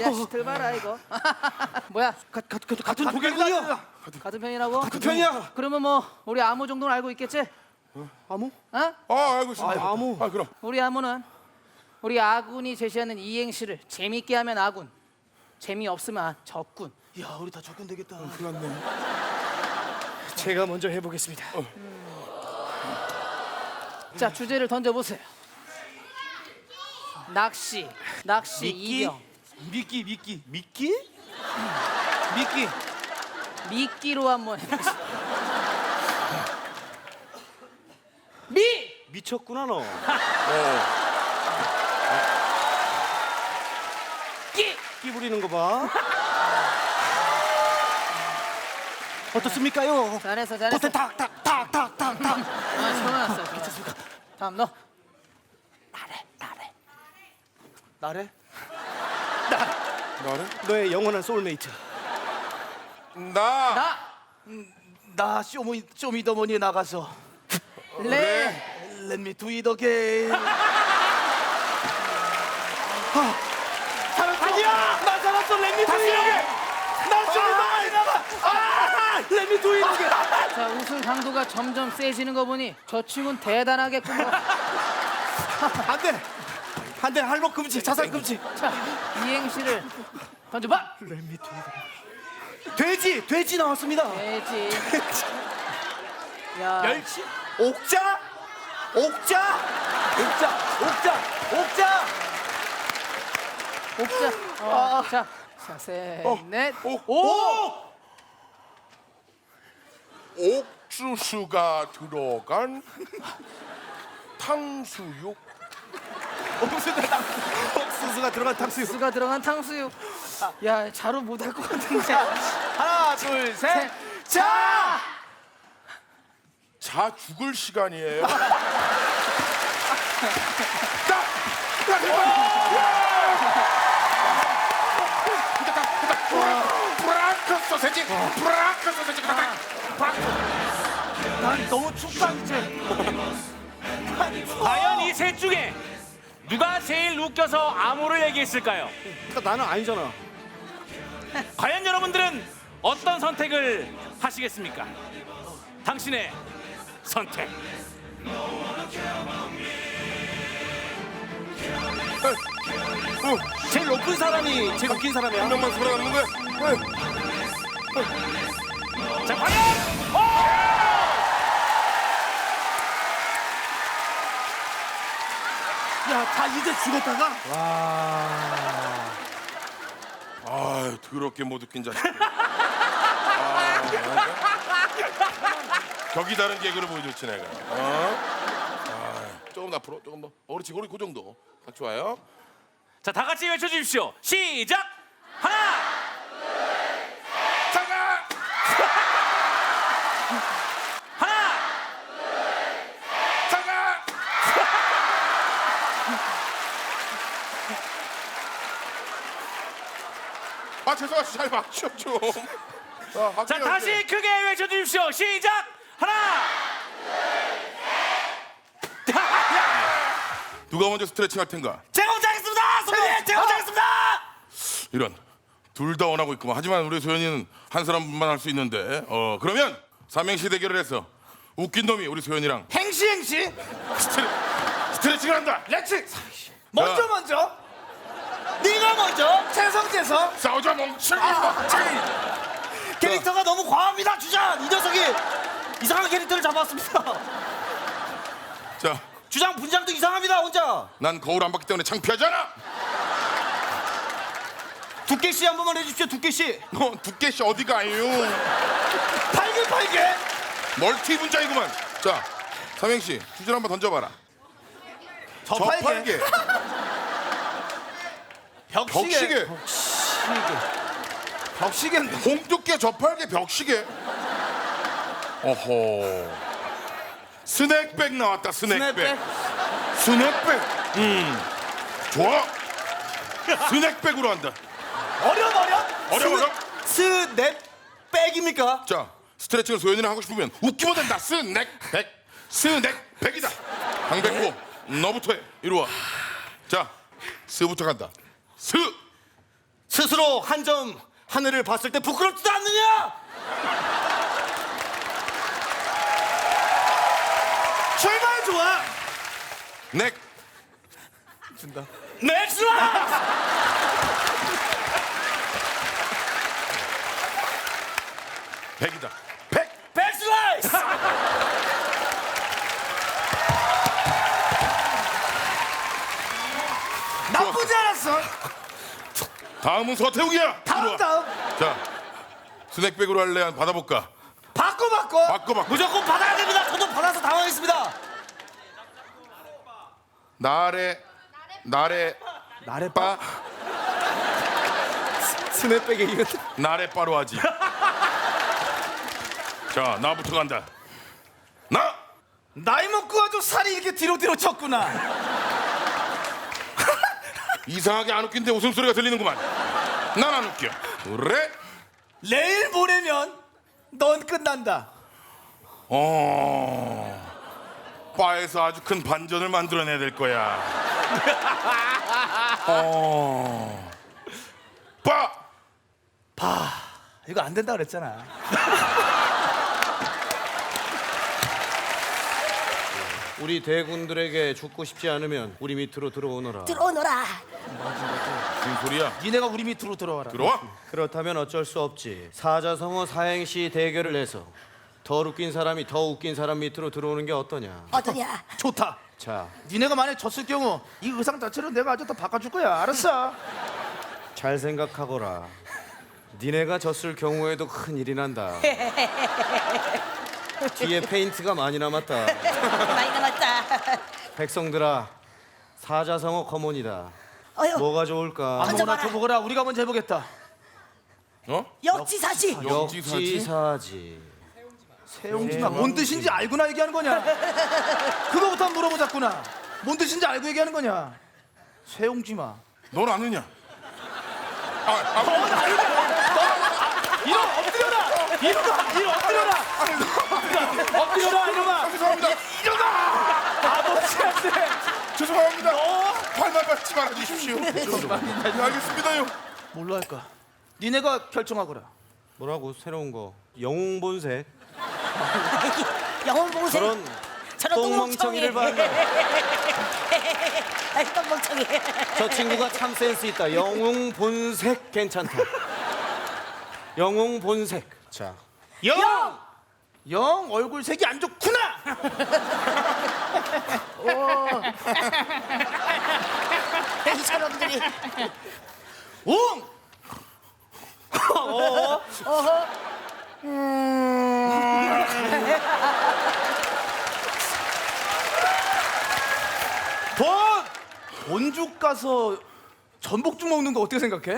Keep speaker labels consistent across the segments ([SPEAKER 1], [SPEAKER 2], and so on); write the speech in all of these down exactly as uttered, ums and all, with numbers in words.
[SPEAKER 1] 자식들 봐라 이거. 뭐야?
[SPEAKER 2] 가, 가, 가, 같은 독일군요.
[SPEAKER 1] 같은 편이라고?
[SPEAKER 2] 같은 편이야.
[SPEAKER 1] 그러면 뭐 우리 아무 정도는 알고 있겠지?
[SPEAKER 2] 아무?
[SPEAKER 1] 어?
[SPEAKER 3] 아 알고 있습니다.
[SPEAKER 2] 아, 아무.
[SPEAKER 3] 아 그럼
[SPEAKER 1] 우리 아무는 우리 아군이 제시하는 이행시를 재밌게 하면 아군, 재미없으면 적군.
[SPEAKER 2] 야, 우리 다 적군 되겠다.
[SPEAKER 3] 큰일 났네.
[SPEAKER 2] 제가 먼저 해보겠습니다.
[SPEAKER 1] 자, 주제를 던져보세요. 낚시, 낚시 이경.
[SPEAKER 2] 미끼, 미끼, 미끼? 미끼.
[SPEAKER 1] 미끼로 한번 해보세요. 미!
[SPEAKER 2] 미쳤구나 너.
[SPEAKER 3] 어.
[SPEAKER 1] 끼!
[SPEAKER 2] 끼 부리는 거 봐. 어떻습니까요?
[SPEAKER 1] 잘했어, 잘했어.
[SPEAKER 2] 겉에 탁탁탁탁탁탁.
[SPEAKER 1] 아, 시원했어. 괜찮습니까? 다음 너. 나래, 나래.
[SPEAKER 2] 나래?
[SPEAKER 3] 나를?
[SPEAKER 2] 너의 영원한 소울메이트.
[SPEAKER 3] 나.
[SPEAKER 1] 나,
[SPEAKER 2] 나 쇼미 쇼미더머니에 나가서
[SPEAKER 1] 레.
[SPEAKER 2] Let me do it again. 살았어. 아니야. 나 살았어. Let me do it again. 나 쇼미더머니 나가. 아! Let me do it again.
[SPEAKER 1] 자, 웃음 강도가 점점 세지는 거 보니 저 친구는 대단하겠군요.
[SPEAKER 2] 안 돼. 안 돼. 할복 금지. 자살 금지.
[SPEAKER 1] 자, 이행시를 던져봐.
[SPEAKER 2] Let me do it. 돼지. 돼지 나왔습니다.
[SPEAKER 1] 돼지. 야,
[SPEAKER 2] 멸치? 옥자? 옥자? 옥자, 옥자, 옥자!
[SPEAKER 1] 옥자. 어, 자, 자, 셋, 넷,
[SPEAKER 3] 오.
[SPEAKER 1] 오.
[SPEAKER 3] 옥수수가 들어간 탕수육.
[SPEAKER 2] 옥수수가, 옥수수가 들어간 탕수육.
[SPEAKER 1] 수가 들어간 탕수육. 야, 자로 못할 것 같은데.
[SPEAKER 2] 하나, 둘, 셋.
[SPEAKER 1] 셋.
[SPEAKER 2] 자!
[SPEAKER 3] 자 죽을 시간이에요. 브라크 소세지, 브라크 소세지.
[SPEAKER 2] 난 너무 춥다, 이제.
[SPEAKER 4] 과연 이 셋 중에 누가 제일 웃겨서 암호를 얘기했을까요?
[SPEAKER 2] 나는 아니잖아.
[SPEAKER 4] 과연 여러분들은 어떤 선택을 하시겠습니까? 당신의 선택.
[SPEAKER 2] 제일 높은 사람이 제일 웃긴 사람이야.
[SPEAKER 3] 한 명만 살아남는 거야. 네.
[SPEAKER 4] 자, 과연
[SPEAKER 2] 야, 다 이제 죽었다가?
[SPEAKER 3] 아, 더럽게 못 웃긴 자식. 아, 격이 다른 개그를 보여줬지 내가. 어? 아, 조금 더 앞으로, 조금 더. 어, 그렇지, 우리 그 정도. 딱 좋아요.
[SPEAKER 4] 자, 다 같이 외쳐주십시오. 시작. 하나,
[SPEAKER 3] 잠깐.
[SPEAKER 4] 하나,
[SPEAKER 3] 잠깐. 아, 죄송합니다. 잘 맞춰 좀. 아,
[SPEAKER 4] 자,
[SPEAKER 3] 학교에
[SPEAKER 4] 다시
[SPEAKER 3] 이제.
[SPEAKER 4] 크게 외쳐주십시오. 시작. 하나.
[SPEAKER 3] 누가 먼저 스트레칭 할 텐가?
[SPEAKER 2] 제가 혼자 하겠습니다! 선배님! 제가 혼자 하겠습니다!
[SPEAKER 3] 이런 둘 다 원하고 있구만. 하지만 우리 소연이는 한 사람만 할 수 있는데. 어 그러면 삼행시 대결을 해서 웃긴 놈이 우리 소연이랑
[SPEAKER 2] 행시, 행시!
[SPEAKER 3] 스트레, 스트레칭을 한다.
[SPEAKER 2] 렛츠! 먼저,
[SPEAKER 3] 야.
[SPEAKER 2] 먼저! 네가 먼저! 재성, 재성!
[SPEAKER 3] 싸우자 멍청이.
[SPEAKER 2] 캐릭터가 너무 과합니다, 주장! 이 녀석이 이상한 캐릭터를 잡았습니다.
[SPEAKER 3] 자,
[SPEAKER 2] 주장 분장도 이상합니다, 혼자.
[SPEAKER 3] 난 거울 안 봤기 때문에 창피하잖아.
[SPEAKER 2] 두께씨 한 번만 해주십시오, 두께씨.
[SPEAKER 3] 너 두께씨 어디 가요?
[SPEAKER 2] 팔개, 팔개.
[SPEAKER 3] 멀티 분자이구만. 자, 삼행시 주제를 한번 던져봐라.
[SPEAKER 2] 저팔계.
[SPEAKER 3] 벽시계.
[SPEAKER 2] 벽시계인데.
[SPEAKER 3] 홍두깨 저팔계 벽시계. 어허. 스낵백 나왔다. 스낵백. 스낵백. 음. 좋아. 스낵백으로 한다.
[SPEAKER 2] 어려움, 어려움?
[SPEAKER 3] 어려움, 어려움?
[SPEAKER 2] 스냅백입니까?
[SPEAKER 3] 자, 스트레칭을 소연이랑 하고 싶으면 웃기면 된다. 스낵백. 스낵백이다. 강백호, 너부터 해. 이리 와. 자, 스부터 간다. 스.
[SPEAKER 2] 스스로 한 점 하늘을 봤을 때 부끄럽지도 않느냐?
[SPEAKER 5] 출발 좋아.
[SPEAKER 3] 넥.
[SPEAKER 2] 넥스!
[SPEAKER 3] 백이다.
[SPEAKER 2] 백슬라이스!
[SPEAKER 5] 나쁘지 않았어.
[SPEAKER 3] 다음은 서태웅이야.
[SPEAKER 5] 다음
[SPEAKER 3] 이리 와.
[SPEAKER 5] 다음.
[SPEAKER 3] 자, 스낵백으로 할래? 한 받아볼까?
[SPEAKER 5] 바꿔 바꿔.
[SPEAKER 3] 바꿔 바꿔.
[SPEAKER 2] 무조건 받아야 됩니다. 저도 받아서 당황했습니다.
[SPEAKER 3] 나래 나래
[SPEAKER 5] 나래빠.
[SPEAKER 2] 스냅백에 이거
[SPEAKER 3] 나래 빠로 하지. 자, 나부터 간다. 나.
[SPEAKER 5] 나이 먹고 아주 살이 이렇게 뒤로 뒤로 쳤구나.
[SPEAKER 3] 이상하게 안 웃긴데 웃음소리가 들리는구만. 난 안 웃겨. 그래?
[SPEAKER 5] 내일 모레면 넌 끝난다.
[SPEAKER 3] 어. 바에서 아주 큰 반전을 만들어내야 될 거야. 어. 바.
[SPEAKER 5] 이거 안 된다 그랬잖아.
[SPEAKER 2] 우리 대군들에게 죽고 싶지 않으면 우리 밑으로 들어오너라.
[SPEAKER 6] 들어오너라.
[SPEAKER 3] 무슨 소리야?
[SPEAKER 5] 니네가 우리 밑으로 들어와라.
[SPEAKER 3] 들어와.
[SPEAKER 2] 그렇다면 어쩔 수 없지. 사자성어 사행시 대결을 해서 더 웃긴 사람이 더 웃긴 사람 밑으로 들어오는 게 어떠냐.
[SPEAKER 6] 어떠냐?
[SPEAKER 5] 좋다.
[SPEAKER 2] 자,
[SPEAKER 5] 니네가 만약 졌을 경우 이 의상 자체를 내가 아주 더 바꿔줄 거야. 알았어?
[SPEAKER 2] 잘 생각하거라. 니네가 졌을 경우에도 큰일이 난다. 뒤에 페인트가 많이 남았다.
[SPEAKER 6] 많이 남았다.
[SPEAKER 2] 백성들아, 사자성어 커먼이다.
[SPEAKER 6] 어휴,
[SPEAKER 2] 뭐가 좋을까?
[SPEAKER 6] 던져
[SPEAKER 5] 아무거나
[SPEAKER 6] 봐라.
[SPEAKER 5] 줘보거라. 우리가 먼저 해보겠다.
[SPEAKER 3] 어?
[SPEAKER 6] 역지사지.
[SPEAKER 3] 역지사지?
[SPEAKER 2] 역지사지.
[SPEAKER 5] 세용지가 뭔 뜻인지 알고나 얘기하는 거냐? 그거부터 한번 물어보자꾸나. 뭔 뜻인지 알고 얘기하는 거냐? 세용지마.
[SPEAKER 3] 넌 아느냐? 아, 아,
[SPEAKER 5] 이놈 엎드려라! 이놈아! 이놈 엎드려라! 엎드려라 이놈아!
[SPEAKER 3] 죄송합니다.
[SPEAKER 5] 아버지한테!
[SPEAKER 3] 죄송합니다. 발만 받지 말아 주십시오. 네, 알겠습니다요.
[SPEAKER 5] 뭘로 할까? 니네가 결정하거라.
[SPEAKER 2] 뭐라고 새로운 거? 영웅본색.
[SPEAKER 6] 영혼 보세.
[SPEAKER 2] 저런
[SPEAKER 6] 저런
[SPEAKER 2] 똥멍청이를 봐라.
[SPEAKER 6] 아이 똥멍청이.
[SPEAKER 2] 저 친구가 참 센스 있다. 영웅본색 괜찮다. 영웅본색. 자,
[SPEAKER 5] 영! 영 얼굴 색이 안 좋구나!
[SPEAKER 6] 이 저놈들이.
[SPEAKER 5] 웅! 본! 본죽 가서 전복죽 먹는 거 어떻게 생각해?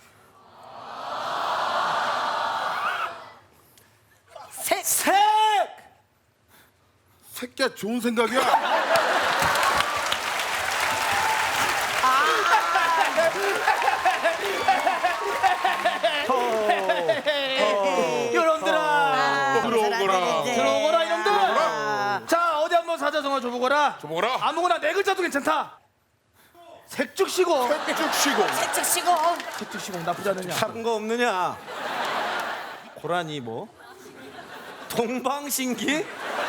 [SPEAKER 6] 색.
[SPEAKER 5] 색!
[SPEAKER 3] 새끼야 좋은 생각이야.
[SPEAKER 5] 여러분들아!
[SPEAKER 3] 들어오거라.
[SPEAKER 5] 들어오거라 이놈들아! 자 어디 한번 사자성어 줘보거라.
[SPEAKER 3] 줘보거라.
[SPEAKER 5] 아무거나 네 글자도 괜찮다. 색죽시고
[SPEAKER 3] 쭉 쉬고.
[SPEAKER 6] 색즉 시고.
[SPEAKER 5] 색죽시고 나쁘지 않느냐?
[SPEAKER 2] 다른 거 없느냐? 고라니 뭐? 동방신기?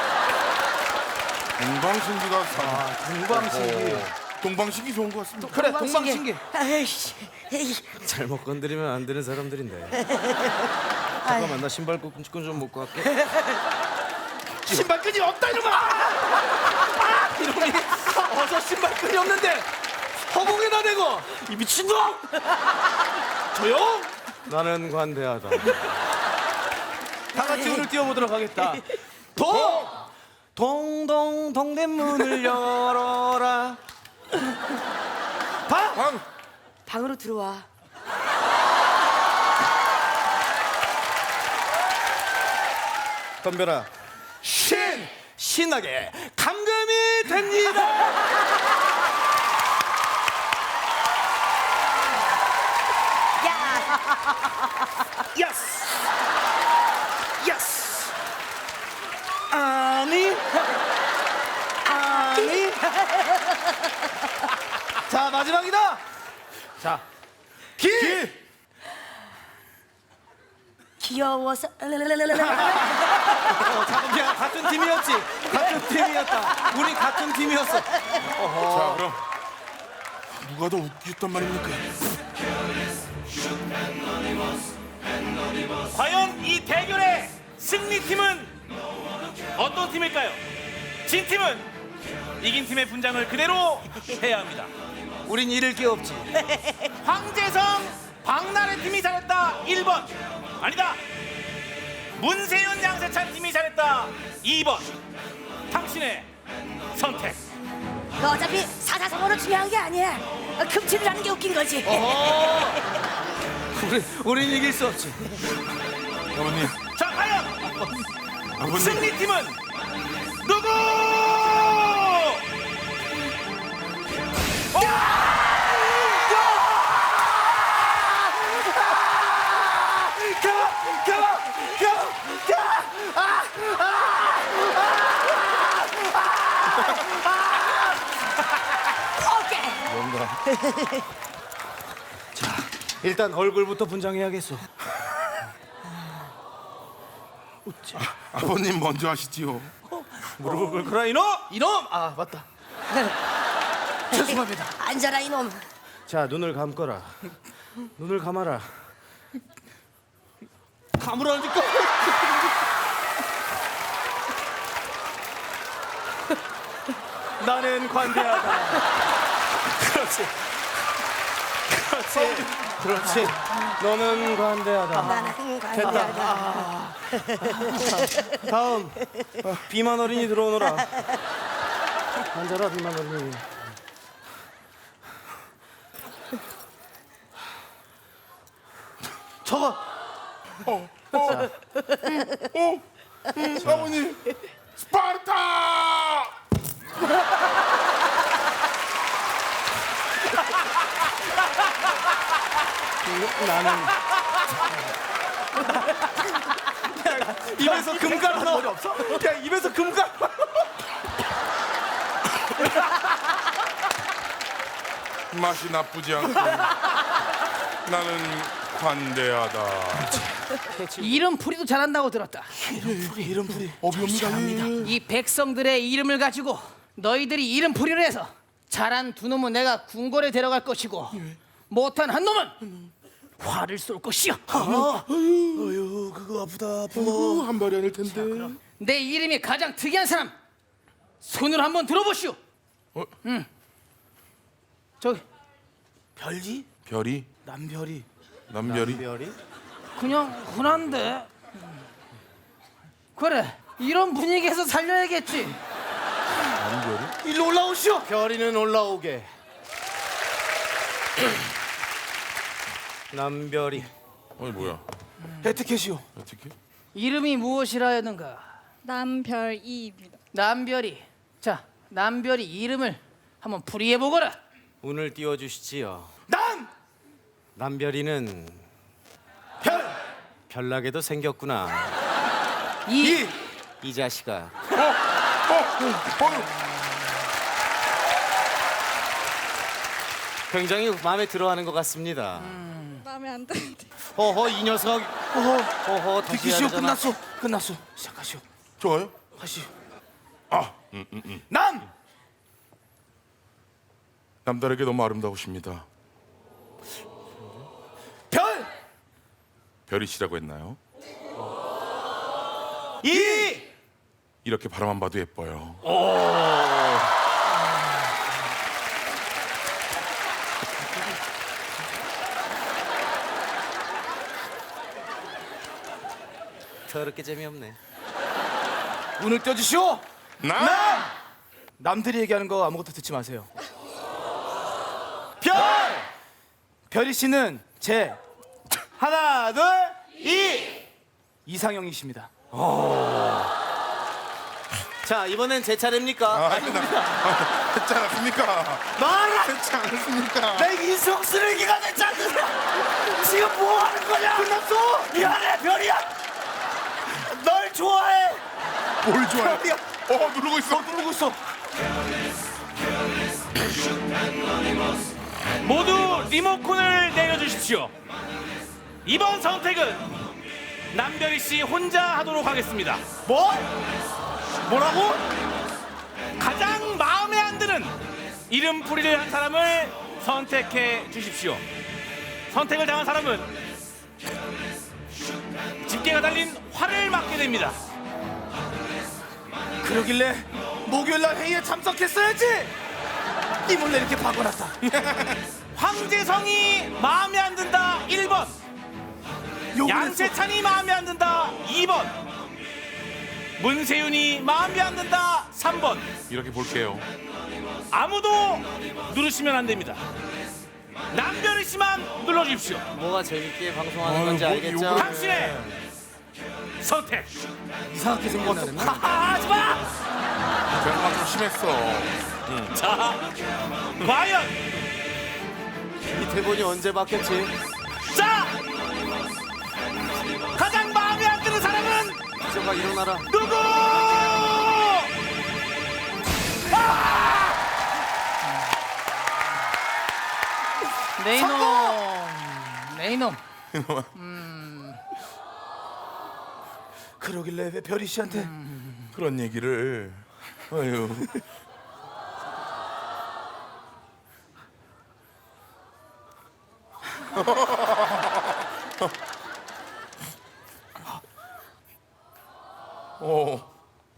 [SPEAKER 3] 동방신기가 사.
[SPEAKER 5] 동방신기.
[SPEAKER 3] 동방신기 좋은 것 같습니다.
[SPEAKER 5] 그래 동방신기.
[SPEAKER 6] 아이씨. 에이.
[SPEAKER 2] 잘못 건드리면 안 되는 사람들인데. 잠깐만 나 신발 끈 좀 묶고 갈게.
[SPEAKER 5] 신발끈이 없다 이놈아! 아, 이놈이 어서 신발끈이 없는데 허공에다 대고 이 미친놈! 조용!
[SPEAKER 2] 나는 관대하다.
[SPEAKER 5] 다 같이 오늘 뛰어보도록 하겠다. 도!
[SPEAKER 2] 동동 동대문을 열어라.
[SPEAKER 5] 방!
[SPEAKER 3] 방.
[SPEAKER 6] 방으로 들어와.
[SPEAKER 2] 덤벼라.
[SPEAKER 5] 신!
[SPEAKER 2] 신나게 감금이 됩니다.
[SPEAKER 6] 야.
[SPEAKER 5] 예스! 예스! 아니? 아니? 자 마지막이다! 자 기!
[SPEAKER 6] 귀여워서.
[SPEAKER 5] 어, 잠깐, 야, 같은 팀이었지. 같은 팀이었다. 우리 같은 팀이었어.
[SPEAKER 3] 자, 그럼 누가 더 웃겼단 말입니까?
[SPEAKER 4] 과연 이 대결의 승리팀은 어떤 팀일까요? 진 팀은 이긴 팀의 분장을 그대로 해야 합니다.
[SPEAKER 5] 우린 잃을 게 없지.
[SPEAKER 4] 황재성, 박나래 팀이 잘했다 일 번. 아니다. 문세윤, 양세찬 팀이 잘했다 이 번. 당신의 선택.
[SPEAKER 6] 그 어차피 사사성어는 중요한 게 아니야. 어, 금치를 하는 게 웃긴 거지.
[SPEAKER 5] 우리, 우린 이길 수 없지.
[SPEAKER 3] 아버님,
[SPEAKER 4] 자, 과연
[SPEAKER 3] 아버님.
[SPEAKER 4] 승리팀은 누구?
[SPEAKER 6] 오케이.
[SPEAKER 2] 일단 얼굴부터 분장해야겠어.
[SPEAKER 3] 아버님 먼저 하시지요.
[SPEAKER 2] 무릎을 꿇거라 이놈!
[SPEAKER 5] 이놈! 아, 맞다. 죄송합니다.
[SPEAKER 6] 앉아라 이놈.
[SPEAKER 2] 자, 눈을 감거라. 눈을 감아라.
[SPEAKER 5] 감으라니까. 나는 관대하다. 그렇지. 그렇지.
[SPEAKER 2] 그렇지. 너는 관대하다.
[SPEAKER 6] 나는 관대하다.
[SPEAKER 2] 다음 비만 어린이 들어오너라. 앉아라 비만 어린이.
[SPEAKER 5] 저거.
[SPEAKER 3] 어, 아버님, 스파르타!
[SPEAKER 2] 나는
[SPEAKER 5] 입에서 금가루 머리 없어? 야, 입에서 금가루.
[SPEAKER 3] 맛이 나쁘지 않고 나는 관대하다.
[SPEAKER 1] 이름 풀이도 잘한다고 들었다.
[SPEAKER 5] 이름 풀이.
[SPEAKER 3] 어비옵니다.
[SPEAKER 1] 이 백성들의 이름을 가지고 너희들이 이름 풀이를 해서 잘한 두 놈은 내가 궁궐에 데려갈 것이고 못한 한 놈은 화를 쏠 것이요.
[SPEAKER 5] 어휴, 그거 아프다, 아파.
[SPEAKER 3] 한 발이 아닐 텐데.
[SPEAKER 1] 내 이름이 가장 특이한 사람 손을 한번 들어보시오.
[SPEAKER 3] 어?
[SPEAKER 1] 응. 저기
[SPEAKER 5] 별이?
[SPEAKER 3] 별이?
[SPEAKER 5] 남별이.
[SPEAKER 3] 남별이?
[SPEAKER 2] 별이?
[SPEAKER 1] 그냥 흔한데. 그래, 이런 분위기에서 살려야겠지.
[SPEAKER 3] 남별이?
[SPEAKER 5] 일로 올라오시오.
[SPEAKER 2] 별이는 올라오게. 남별이.
[SPEAKER 3] 어이 뭐야?
[SPEAKER 5] 에티켓이오.
[SPEAKER 3] 어떻게?
[SPEAKER 1] 이름이 무엇이라였는가?
[SPEAKER 7] 남별이입니다.
[SPEAKER 1] 남별이. 자, 남별이 이름을 한번 풀이해 보거라.
[SPEAKER 2] 운을 띄워주시지요.
[SPEAKER 5] 남!
[SPEAKER 2] 남별이는
[SPEAKER 5] 별!
[SPEAKER 2] 별나게도 생겼구나.
[SPEAKER 1] 이,
[SPEAKER 2] 이 자식아. 굉장히 마음에 들어하는 것 같습니다.
[SPEAKER 7] 마음에 안 드는데.
[SPEAKER 2] 허허 이 녀석.
[SPEAKER 5] 어허,
[SPEAKER 2] 허허 다시 해야
[SPEAKER 5] 티켓이오.
[SPEAKER 2] 되잖아.
[SPEAKER 5] 끝났어. 끝났어. 시작하시오.
[SPEAKER 3] 좋아요?
[SPEAKER 5] 하시오.
[SPEAKER 3] 아,
[SPEAKER 5] 남!
[SPEAKER 3] 남다르게 너무 아름다우십니다.
[SPEAKER 5] 별!
[SPEAKER 3] 별이시라고 했나요?
[SPEAKER 5] 이!
[SPEAKER 3] 이렇게 바라만 봐도 예뻐요.
[SPEAKER 2] 더럽게 재미없네.
[SPEAKER 5] 운을 떼주시오.
[SPEAKER 3] 남!
[SPEAKER 5] 남! 남들이 얘기하는 거 아무것도 듣지 마세요. 별! 별이 씨는 제 하나, 둘, 이! 이상형이십니다.
[SPEAKER 2] 자 이번엔 제 차례입니까?
[SPEAKER 3] 아, 아닙니다. 했지 않았습니까?
[SPEAKER 5] 말아!
[SPEAKER 3] 했지 않았습니까?
[SPEAKER 5] 내 인성 쓰레기가 됐지 않느냐? 지금 뭐 하는 거냐? 끝났어! 미안해, 별이야! 널 좋아해!
[SPEAKER 3] 뭘 좋아해?
[SPEAKER 5] 별이야!
[SPEAKER 3] 어, 누르고 있어.
[SPEAKER 5] 너 누르고 있어.
[SPEAKER 4] 모두 리모컨을 내려주십시오. 이번 선택은 남별이 씨 혼자 하도록 하겠습니다.
[SPEAKER 5] 뭐?
[SPEAKER 4] 뭐라고? 가장 마음에 안 드는 이름풀이를 한 사람을 선택해 주십시오. 선택을 당한 사람은 집게가 달린 활을 맞게 됩니다.
[SPEAKER 5] 그러길래 목요일날 회의에 참석했어야지. 이 몰래 이렇게 박아놨다.
[SPEAKER 4] 황재성이 마음에 안 든다 일 번,
[SPEAKER 5] 욕을 했어.
[SPEAKER 4] 양세찬이 마음에 안 든다 이 번, 문세윤이 마음에 안 든다 삼 번.
[SPEAKER 3] 이렇게 볼게요.
[SPEAKER 4] 아무도 누르시면 안 됩니다. 남별이 씨만 눌러주십시오.
[SPEAKER 2] 뭐가 재밌게 방송하는
[SPEAKER 3] 아유,
[SPEAKER 2] 건지
[SPEAKER 3] 뭐
[SPEAKER 2] 알겠죠?
[SPEAKER 3] 욕을-
[SPEAKER 4] 당신의 선택.
[SPEAKER 5] 이상하게 생겼나?
[SPEAKER 4] 하지 마.
[SPEAKER 3] 제가 좀 심했어.
[SPEAKER 4] 자, 과연
[SPEAKER 2] 이 대본이 언제 바뀌었지?
[SPEAKER 4] 자 가장 마음에 안 드는 사람은
[SPEAKER 2] 기저가 일어나라.
[SPEAKER 4] 누구?
[SPEAKER 1] 네 이놈, 네 이놈.
[SPEAKER 5] 그러길래 왜 별이 씨한테
[SPEAKER 3] 그런 얘기를. 아유. 어.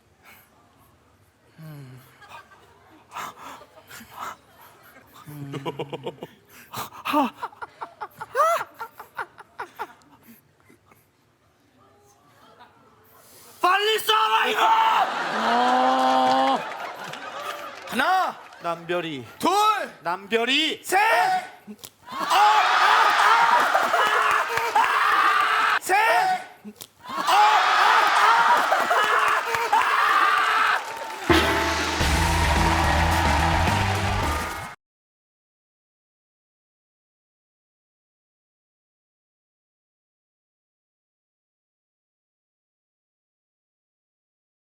[SPEAKER 5] 빨리 쏴라 이거! 하나,
[SPEAKER 2] 남별이
[SPEAKER 5] 둘,
[SPEAKER 2] 남별이
[SPEAKER 5] 셋! 아!